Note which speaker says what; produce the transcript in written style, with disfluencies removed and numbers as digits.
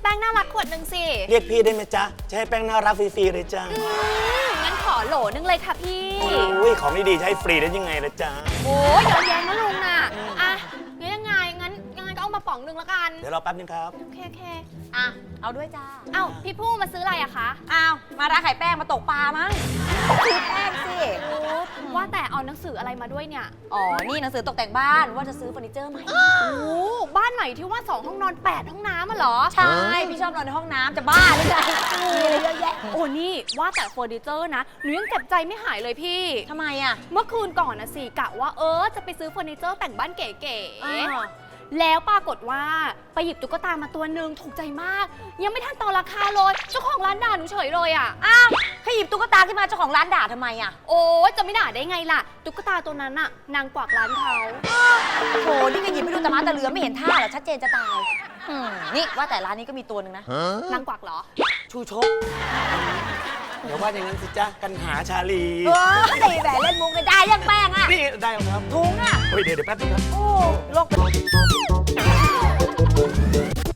Speaker 1: แป้งน่ารักขวดหนึ่งสิ
Speaker 2: เรียกพี่ได้ไหมจ๊ะจะให้แป้งน่ารักฟรีๆเลยจ้า
Speaker 1: งั้นขอโหลนึงเลยค่ะพี่
Speaker 2: อุ้ยของดีๆจะให้ฟรีได้ยังไงล่ะจ๊ะ
Speaker 1: โอ้ยเยอะแยะนะลุงน่ะอ่ะงั้นยังไงก็เอามาป๋องนึงละกัน
Speaker 2: เดี๋ยวรอแป๊บนึงครับ
Speaker 1: โอเค
Speaker 3: อ่ะเอาด้วยจ้า
Speaker 1: เอ้าพี่ผู้มาซื้ออะไรอะคะ
Speaker 3: อ้าวมาร้านขายแป้งมาตกปลามั้งซื้อแป้งสิ
Speaker 1: โอ้ว่าแต่เอาหนังสืออะไรมาด้วยเนี่ย
Speaker 3: อ๋อนี่หนังสือตกแต่งบ้านว่าจะซื้อเฟอร์นิเจอร์ใหม่
Speaker 1: โอ้บ้านใหม่ที่ว่า2 ห้องนอน 8 ห้องน้ำอะเหรอ
Speaker 3: ใช่พี่ชอบนอนในห้องน้ำจะบ้าหรือไงมีอะไรเยอะแยะ
Speaker 1: โอ้นี่ว่าแต่เฟอร์นิเจอร์นะหนูยังเก็บใจไม่หายเลยพี่
Speaker 3: ทำไมอ่ะ
Speaker 1: เมื่อคืนก่อนนะสิกะว่าจะไปซื้อเฟอร์นิเจอร์แต่งบ้านเก๋
Speaker 3: อ้าว
Speaker 1: ๆแล้วปรากฏว่าไปหยิบตุ๊กตามาตัวหนึ่งถูกใจมาก ยังไม่ทันต่อราคาเลยเจ้าของร้านด่าหนูเฉยเลยอ่ะ
Speaker 3: อ้าวขยิบตุ๊กตาขึ้นมาเจ้าของร้านด่าทำไมอ่ะ
Speaker 1: โอ้จะไม่ด่าได้ไงล่ะตุ๊กตาตัวนั้นน่ะนางกวักร้านเขา
Speaker 3: โหนี่ก็หยิบไม่ดูตะมาตะเรือไม่เห็นท่าเหรอชัดเจนจะตายนี่ว่าแต่ร้านนี้ก็มีตัวหนึ่งนะ
Speaker 1: นางกวักเหรอ
Speaker 3: ชูชก
Speaker 2: เดี๋ยวว่าอย่างนั้นสิจ๊ะกันหาชาลี
Speaker 3: เฮ้ยแหวนเล่นมุกเลยได้ยังแป้งอ่ะ
Speaker 2: นี่ได้แล้วครับ
Speaker 3: ถุงอ่ะ
Speaker 2: เฮ้ยเดี๋ยวแป๊บนึงครับ
Speaker 3: โอ้โลก